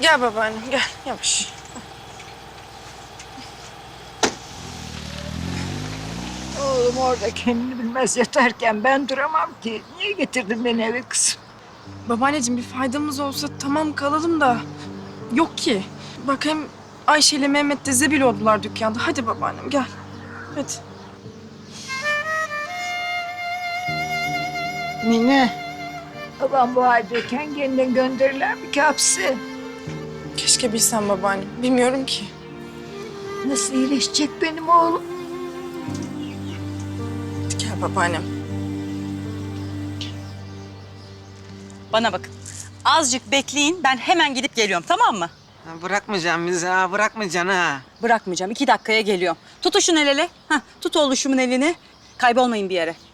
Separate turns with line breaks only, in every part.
Gel babaannem gel yavaş.
Oğlum orada kendini bilmez yatarken ben duramam ki. Niye getirdin beni eve kızım?
Babaanneciğim bir faydamız olsa tamam kalalım da yok ki. Bak hem Ayşe ile Mehmet de zebil oldular dükkanda. Hadi babaannem gel. Hadi.
Mine, babam bu haldeyken kendini gönderirler mi ki hapse?
Keşke bilsem babaannem. Bilmiyorum ki.
Nasıl iyileşecek benim oğlum?
Hadi gel babaannem.
Bana bakın. Azıcık bekleyin. Ben hemen gidip geliyorum, tamam mı?
Ha, bırakmayacağım bizi ha, bırakmayacaksın ha.
Bırakmayacağım. 2 dakikaya geliyorum. Tutuşun el ele. Hah, tut oğluşumun elini. Kaybolmayın bir yere.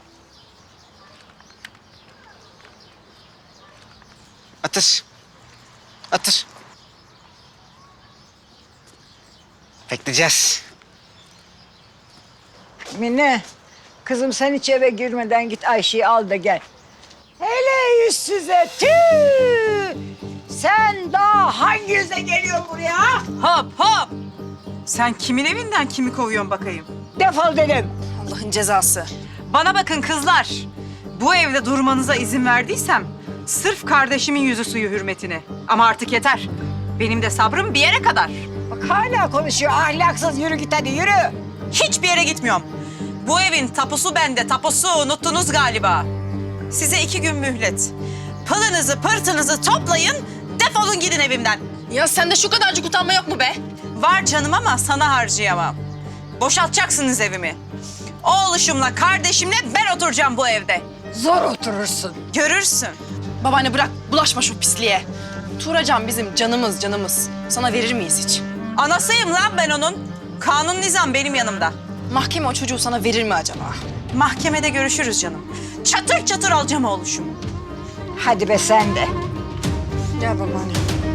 Atır. Atır. Bekleyeceğiz.
Mine, kızım sen hiç eve girmeden git Ayşe'yi al da gel. Hele yüzsüze tüh! Sen daha hangi yüze geliyorsun buraya?
Hop hop! Sen kimin evinden kimi kovuyorsun bakayım?
Defol dedim.
Allah'ın cezası.
Bana bakın kızlar. Bu evde durmanıza izin verdiysem sırf kardeşimin yüzü suyu hürmetine. Ama artık yeter. Benim de sabrım bir yere kadar.
Bak hala konuşuyor ahlaksız. Yürü git hadi yürü.
Hiçbir yere gitmiyorum. Bu evin tapusu bende, tapusu. Unuttunuz galiba. Size 2 gün mühlet. Pılınızı, pırtınızı toplayın, defolun gidin evimden.
Ya sende şu kadarcık utanma yok mu be?
Var canım ama sana harcayamam. Boşaltacaksınız evimi. Oğluşumla, kardeşimle ben oturacağım bu evde.
Zor oturursun.
Görürsün.
Babaanne bırak bulaşma şu pisliğe. Tuğracan bizim canımız. Sana verir miyiz hiç?
Anasıyım lan ben onun. Kanun nizam benim yanımda.
Mahkeme o çocuğu sana verir mi acaba?
Mahkemede görüşürüz canım. Çatır çatır alacağım oğluşumu.
Hadi be sen de.
Gel babaanne.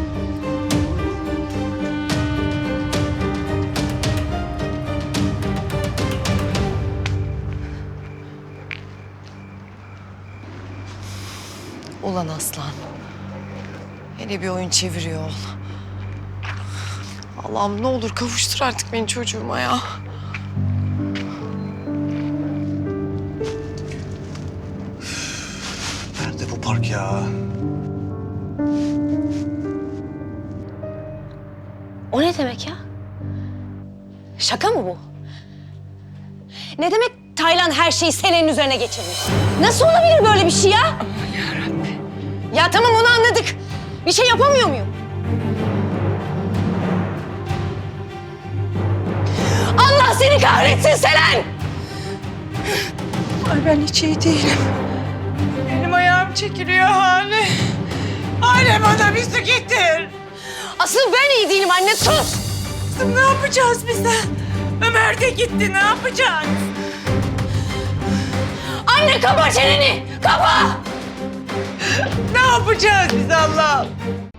Ulan aslan. Hele bir oyun çeviriyor ol. Allah'ım ne olur kavuştur artık beni çocuğuma ya.
Nerede bu park ya?
O ne demek ya? Şaka mı bu? Ne demek Taylan her şeyi Selen'in üzerine geçirmiş? Nasıl olabilir böyle bir şey ya? Aman yarabbim. Ya tamam onu anladık. Bir şey yapamıyor muyum? Allah seni kahretsin Selen!
Ay ben hiç iyi değilim.
Benim ayağım çekiliyor Hale. Hale bana bir su getir.
Asıl ben iyi değilim anne sus!
Kızım ne yapacağız biz de? Ömer de gitti, ne yapacağız?
Anne kapa çeneni! Kapa!
Ne yapacağız biz Allah'ım?